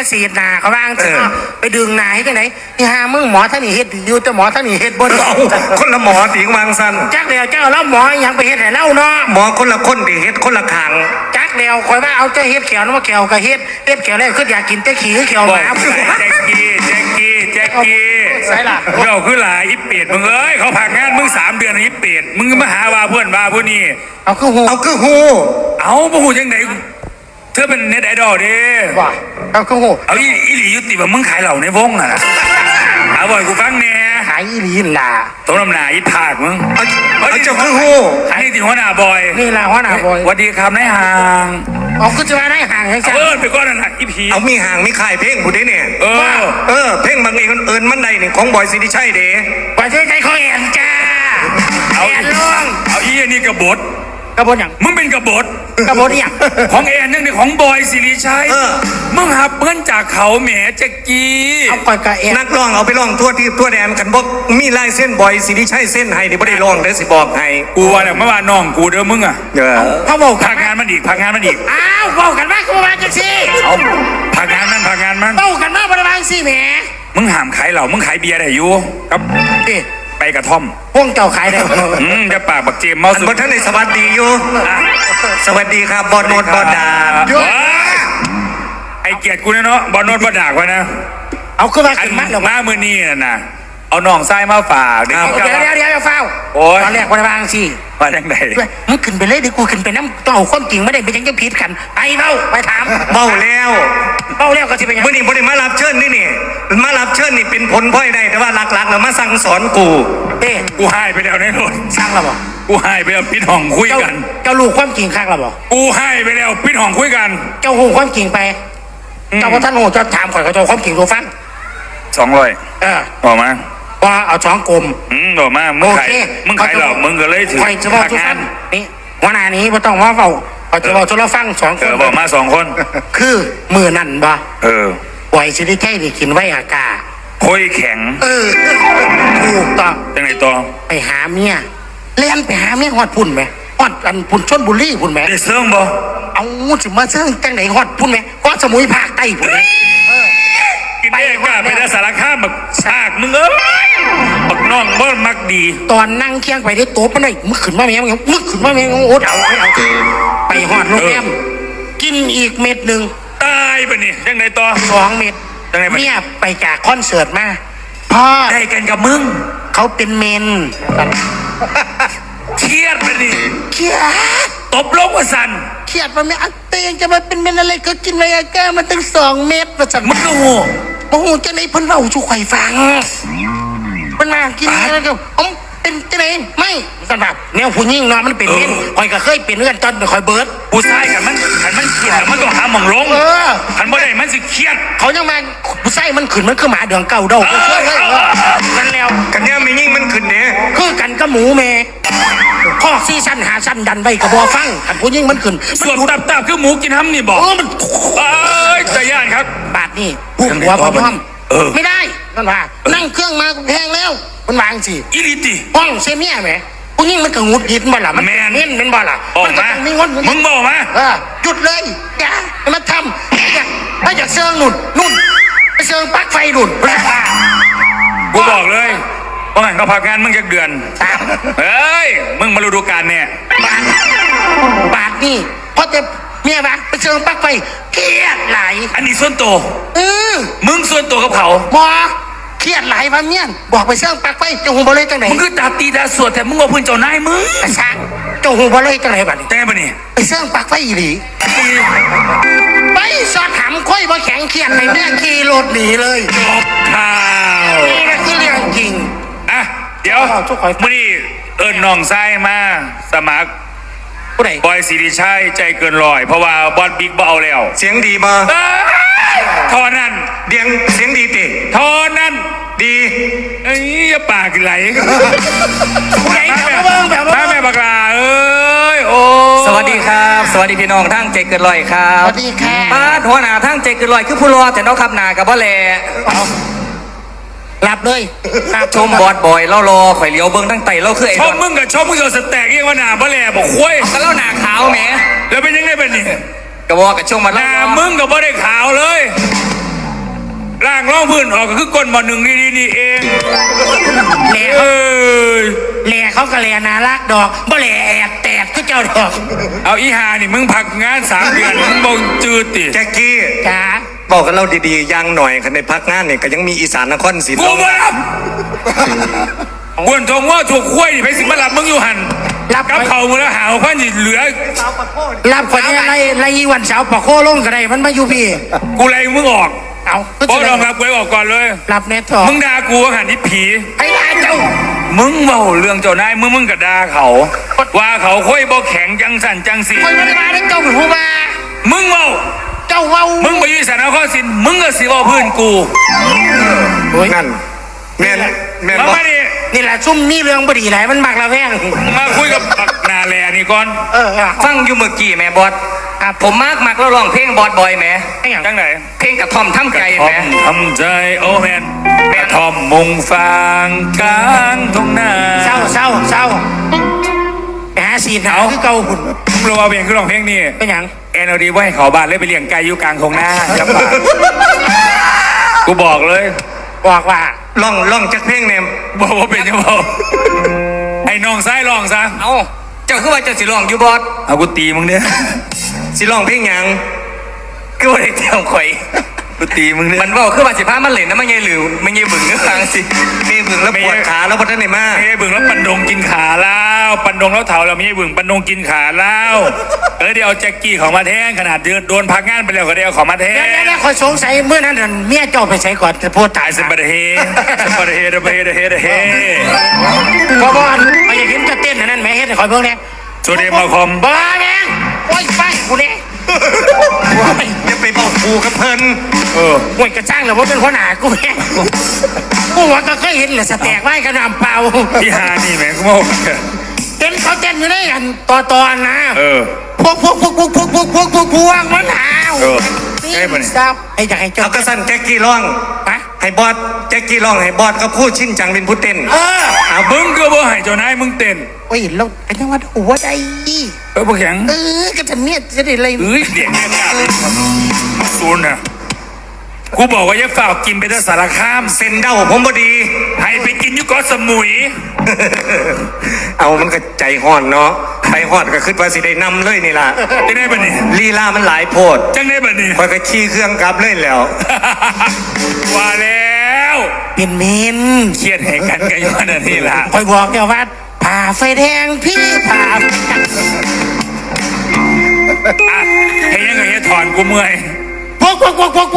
สีดหนาเขาบ้างไปดึงหนาให้กันไหนที่หามึงหมอท่านนี่เฮ็ดอยู่แต่หมอท่านนี่เฮ็ดบนคนละหมอตีวางสันจักเดียวเจ้าแล้วหมอยังไปเฮ็ดให้เล่าเนาะหมอคนละคนตีเฮ็ดคนละขางจักเดียวคอยว่าเอาเจ้าเฮ็ดเขียวน้ำเขียวกับเฮ็ดเขียวแล้วคืออยากกินแต่ขี้เขียวหมาแจ็คกี้ใช่ล่ะเราคือหลายอีเป็ดมึงเอ้ยเขาผักงานมึง3 เดือนอีเป็ดมึงมาหาว่าเพื่อนว่าผู้นี้เอาคือหูเอาผู้หูยังไงเธอเป็นเน็ตไอดอลดิว่าเอาคือหูเอาอีหลียุติแบบมึงขายเหล่าในวงอ่ะนะเอาบ่อยกูฟังเนี่ยขายอีหลีล่ะตรงลำหนาอีผากมึงเอาเจ้าคือหูนี่ติหัวหน้าบอยนี่ล่ะหัวหน้าบอยสวัสดีครับนายห่างเอาคือจะมาได้ห่างให้ฉันไปก้อนนั่นอีผีเอามีห่างมีขายเพลงผู้ใดเนี่ยเพลงบางเองเอิญมันใดนี่ของบอยสิริชัยเด้บอยสิริชัยเขาเอ็นจ้าเอาอีนี่กบฏอย่างมึงเป็นกบฏอย่างของแอนนึงนี่ของบอยสิริชัยมึงหับเพื่อนจากเขาแหมแจ็กกี้เอาก่อนกับแอนนักร้องเอาไปร้องทั่วแดนกันบอกมีลายเส้นบอยสิริชัยเส้นให้นี่ไม่ได้ร้องเด้อสิบอกให้กูว่าเนี่ยเมื่อวานน้องกูเด้อมึงอ่ะเขาบอกพักงานมันอีกอ้าวบอกกันว่ากูมาจังสิเอาพักงานมันบอกกันว่าบริวารสิแหมมึงห้ามขายเหล้ามึงขายเบียร์ได้อยู่ครับไปกระท่อมพวกเจ้าขายได้จะปากบักเจมเมาสุดท่านในสวัสดีอยู่สวัสดีครับบอลโนดบอลดาไอเกียรติกูเนาะบอลโนดบอลดากวะนะเอาขึ้นมาขึ้นมาหน้ามือนี่นะเอาน้องไส้มาฝากเดี๋ยวเฝ้าตอนแรกบริวารสิว่าจังไงมึงขึ้นไปเลยดิกูขึ้นไปน้ำต้องเอาความจริงไม่ได้ไปยังจะผิดกันไปถามเบาแล้วก็ที่เป็นยังมื่อนี้บ่ได้มารับเชิญนี่มารับเชิญนี่เป็นผลพลอยได้แต่ว่าหลักๆแล้วมาสั่งสอนกูกูให้ไปแล้วในรถสั่งแล้วบอกกูให้ไปแล้วปิดห้องคุยกันเจ้าลูกความจริงข้างแล้วบอกกูให้ไปแล้วปิดห้องคุยกันเจ้าหูความจริงไปเจ้าพ่อท่านโหเจ้าถามข่อยเขาเจ้าความจริงตัวฟัง 200ออกมาว่าเอา2 กลมออกมามึงขายหรอกมึงก็เลยถือเฉพาะทุกท่านนี่วันนี้ไม่ต้องว่าเฝ้าเขาจะบอกจะเราฟัง2 คนบอกมา2 คนคือมือนั่นบ่ปล่อยสิริชัยได้กินไว้อากาคุยแข็งถูกต้องจังไหนต่อไปหาเมียเล่นไปหาเมียฮอดพุ่นไหมฮอดอันพุ่นชนบุรีพุ่นไหมได้เสื่องบ่เอาสิมาเสื่องจังไหนฮอดพุ่นไหมฮอดสมุยภาคใต้พุ่นไหมกินได้กล้าไปได้สารคามบักซากมึงบักน้องบ่มักดีตอนนั่งเคียงไปได้โต๊ะมันได้มึกขึ้นมาแม่มึกขึ้นมาแม่โอ๊ตเอาไปฮอดโรงแรมกินอีกเม็ดหนึ่งตายไปนี่ยังไงต่อ 2 เม็ดเนี่ยไปจากคอนเสิร์ตมาพ่อได้กันกับมึงเขาเป็นเมนเครียดไปดิเครียดตบลงว่าสันเครียดว่าไม่อัเตียงจะมาเป็นเมนอะไรก็กินไวอาก้ามันตั้ง2 เม็ดว่าสันมึงก็โอ้โหจะไหนเพิ่นเล่าชูไข่ฟังเพิ่นมากินอะไรก็เป็นจะไหนไม่สันแบบแนวผู้หญิงเนาะมันเป็นเมนคอยก็เคยเป็นเพื่อนตอนคอยเบิร์ดผู้ชายกันมันเครียดมันต้องหาหม่องลงขันบ่ได้มันสิเครียดเขายังมาผู้ชายมันขึ้นมันคือหมาเดืองเก่าเดานั่นแล้วกันเนี่ยไม่ยิ่งมันขึ้นเนี่ยคือกันก็หมูเมข้อซีซั่นหาซั่นดันไว้กับบอฟังขันผู้หญิงมันขึ้นส่วนตับคือหมูกินห้ำนี่บอกมันใจย่านครับบาทนี่ผู้หัวพร้อมไม่ได้นั่นว่านั่งเครื่องมาแพงแล้วมันวางสิอีลิติห้องเซเมียไหมผู้หญิงมันก็งุดหงิดบ่ล่ะมันเน้นเป็นบ่ล่ะมันก็ต้องมีงดมึงบอกมาหยุดเลยอย่ามาทำถ้าอยากเชิงนุ่นไปเชิงปลั๊กไฟนุ่นกูบอกเลยว่างั้นก็พักงานมึงจะเดือนเฮ้ยมึงมาฤดูกาลเนี่ยบาทนี่เพราะแต่เมียปะไปเชิงปลั๊กไฟเครียดไหลอันนี้ส่วนตัวมึงส่วนตัวกับเขาบอเครียดไหลพันเนี่ยบอกไปเชิงปลั๊กไฟเจ้าหูบอลเลยจังไหนมึงคือตาตีตาสวดแต่มึงว่าพื้นเจ้านายมึงกระชังเจ้าหูบอลเลยจังไหนบัดนี้แต่บัดนี้ไปเชิงปลั๊กไฟอีหลีไปสอดถามค่อยบ่แข็งเครียดในเรื่องขี่รถหนีเลยจบข่าวนี่ก็คือเรื่องจริงเดี๋ยวมื่อนี้น้องไส้มาสมัครบอยสิริชัยใจเกิน100เพราะว่าบอลบิ๊กบ่เอาแล้วเสียงดีมาทอนั้นเสียงดีติทอนั้นดีอย่าปากไหลแม่บักลาโอ้สวัสดีครับสวัสดีพี่น้องทั้งใจเกิน100ครับสวัสดีค่ะหัวหน้าทั้งใจเกิน100คือผู้รอแต่น้องขับหนากับบ่แลหลับเลยชมบอดบอยเล่ารอข่อยเลี้ยวเบิ้งตั้งไตเล่าคือไอ้ชมมึงกับชมมึงสแต็กยังว่าหนาบ่แลบอกคุ้ยก็เล่าหนาขาวแหมแล้วเป็นยังไงเป็นนี่กระบอกกับชมมาหนามึงกับบ่ได้ขาวเลยออกก็คือก้นหมอหนึ่งนี่เองแหล่เอ้ยแหล่เขาก็แหล่น่ารักดอกบ่แหล่แอบแตกก็เจ้าดอกเอาอีหานี่มึงพักงาน3 เดือนมึงบ่จืดติแจ็คกี้จ้าบอกกันเราดีๆยังหน่อยคันในพักงานเนี่ยก็ยังมีอีสานนครศรีกูบ่รับกวนทงว่าถูกคุ้ยนี่ไปสิมารับมึงอยู่หันรับกับเขามึงแล้วหาว่านี่เหลือรับคนนี้ไรวันเสาร์ปะโคลงก็ได้มันมาอยู่พี่กูไล่มึงออกเอาเพราะลองรับกูออกก่อนเลยรับแน่ทองมึงด่ากูว่าหันที่ผีไอ้ลาเจ้ามึงเมาเรื่องเจ้านายมึงก็ด่าเขา ว่าเขาค่อยบ่แข็งจังสั่นจังสีคอยมาได้มาได้เจ้าเป็นผู้มามึงเมาเจ้าเว้ามึงไปยืนสารข้อสินมึงก็สิว่าพื้นกูนั่นแม่นมาบอกมาดินี่แหละซุ่มนี่เรื่องบดีไหนมันมักละแพงมาคุยกับบักนาแลนี่ก่อนฟังอยู่เมื่อกี้แม่บอสผมมักแล้วร้องเพลงบอสบอยแหม่จังไหนเพลงกระท่อมทำใจทแหม่ทำใจโอแมนกระทอมมุงฟางกลางทุ่งนาเศร้าไปหาสีหนาวคือเก่าหุ่นมึงรู้ว่าเพลงคือร้องเพลงนี่เป็นหยังแอนเอาดีไว้ให้เขาบ้านเลยไปเลี้ยงไก่อยู่กลางทุ่งนาจับปากกูบอกเลยบอกว่าล่องจักเพลงเนี่ยบอกว่าเป็นยังไงไอ้น้องซ้ายลองซะเอาเจ้าคือว่าเจ้าสิร้องอยู่บอสเอากูตีมึงเนี่ยสิร้องเพลงหยังคือว่าได้เตรียมข่อยกูตีมึงเนี่ยมันบอกคือว่าสิพามันเล่นนะมันยังหรือมันยังบึงนึกฟังสิมีบึงแล้วปวดขาแล้วพัฒนในมาไม่ใช่บึงแล้วปันดงกินขาแล้วปันดงแล้วเถาเราไม่ใช่บึงปันดงกินขาแล้วเดี๋ยวเอาแจ็คกี้ของมาแทงขนาดโดนพักงานไปแล้วก็เดี๋ยวของมาแทงเดี๋ยวคอยสงสัยเมื่อนั้นเมียเจ้าไปใช้ก่อนจะพูดตาตาย ยสบัดเฮสบัดเฮสบัดเฮเฮเพราะว่าไปอยากเห็นจะเต้นนั่นไหมเฮ็ดให้คอยเพิ่งเนี่ยโซเดียมมาคอมบ้าแม่งโอ้ยไปกูเนี่ยอย่าไปบอกครูกับเพิ่นโอ้ยกระจ้างเหรอว่าเป็นหัวหน้ากูเนี่ยกูว่าก็เคยเห็นแหละสแต็กไว้กระนำเปล่าพี่ฮานี่แม่งกูบอกเห็นเขาเต้นอยู่ในอันต่อนะ พวกมันหาวทราบไอ้อยากให้เจ้าเอากระสันแจ็คกี้ร้องฮะให้บอสแจ็คกี้ร้องให้บอสก็พูดชินจังเป็นผู้เต้นเอามึงก็บ่ให้เจ้านายมึงเต้นโอ้ยเราเป็นจังหวัดหัวใจบ่แข็งก็จะเนี่ยจะได้อะไรเอ้ยเดี๋ยวเนี่ยศูนย์น่ะกูบอกว่าอย่าฝากกินไปที่สารคามเส้นเด้าผมบ่ดีให้ไปกินอยู่เกาะสมุยเอามันก็ใจห่อนเนาะไปห่อนก็คิดว่าสิได้นำเลยนี่ล่ะจังได้ปะนี่ลีลามันหลายโพดจังได้ปะนี่คอยก็ขี่เครื่องกลับเลยแล้วว่าแล้วเป็นเมนเครียดแห่งกันกันอยู่นั่นนี่ล่ะคอยบอกเดี๋ยวว่าผ่าไฟแดงพี่ผ่าอ่ะเฮ้ยยังไงเฮ้ยถอนกูเมื่อยพวก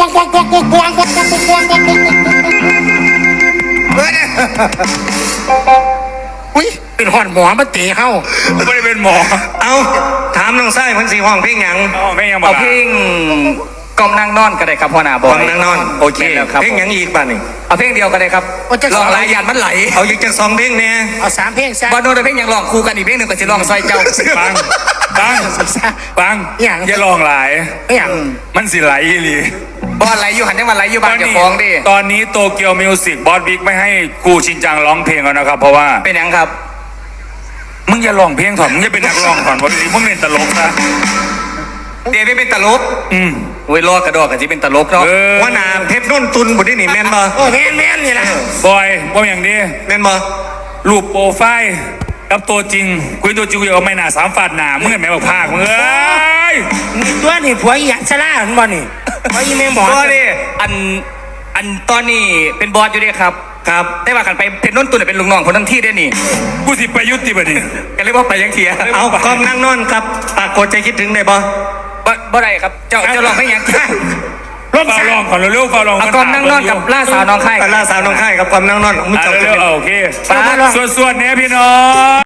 อุ้ยเป็นหอนหมอมาเตะเข้ากูไม่ได้เป็นหมอเอาถามน้องไส้มันสีห้องเพลงหยังอ๋อไม่ยังบอเอากเพลงกอมนางนอนก็ได้ครับพ่อหน้าบห้ออย งนางนอนโอเคแม่นแล้วครับเพลงหยังอีกบ้านี่เอาเพลงเดียวก็ได้ครับร้องหลายหยาดมันไหลเอาอีกจาก2เพลงเนี่ยเอา3เพลงซะบอลโน้ตเพลงยังร้องคู่กันอีกเพลงหนึ่งก็จะร้องซอยเจ้าปังปังอย่าลองหลายอย่างมันสิไหลอีหลีบอลไหลอยู่หันยังมาไหลอยู่บ้านเดี๋ยวฟ้องดิตอนนี้โตเกียวมิวสิกบอสบิ๊กไม่ให้กูชินจังร้องเพลงแล้วนะครับ เพราะว่าเป็นยังครับมึงอย่าร้องเพลงถอนมึงอย่าเป็นนักร้องถอนวันนี้มึงเล่นตลกนะเดี๋ยวไม่เป็นตลกมโอ้ยรอกระดอกกันที่เป็นตลกเนาะว่านาเพชรนุ่นตุนบุได้นี่แม่นบ่โอ้แม่นนี่แหละบอยว่าอย่างนี้แม่นบ่รูปโปรไฟล์กับตัวจริงคุยตัวจริงเอาไม่หนา3 ฝาดหนามึงเห็นไหมบอกภาคมึงเอ้ยตัวนี่ผัวอีหยันชะล่ามันบ่นี่ผัวอีแม่หมอก็ดิอันตอนนี้เป็นบอสอยู่เด้ครับครับได้ว่ากันไปเป็นน้นตุนเป็นลุงน้องคนทั้งที่ได้นี่กูสิไปยุติบัดนี้กันเลยว่าไปยังเทียเอากอมนั่งนอนครับปากกดใจคิดถึงได้บ่บ่ได้ครับเจ้าลองเพลงยังร่มฟาสาลองก่อนเร็วๆฟาลองเอากอมนั่งนอนกับล่าสาวน้องไข่ล่าสาวน้องค่ายกับกอมนั่งนอนมึงอ่ะจบเร็กันวๆโอเคส่วนๆเนี้ยพี่น้อง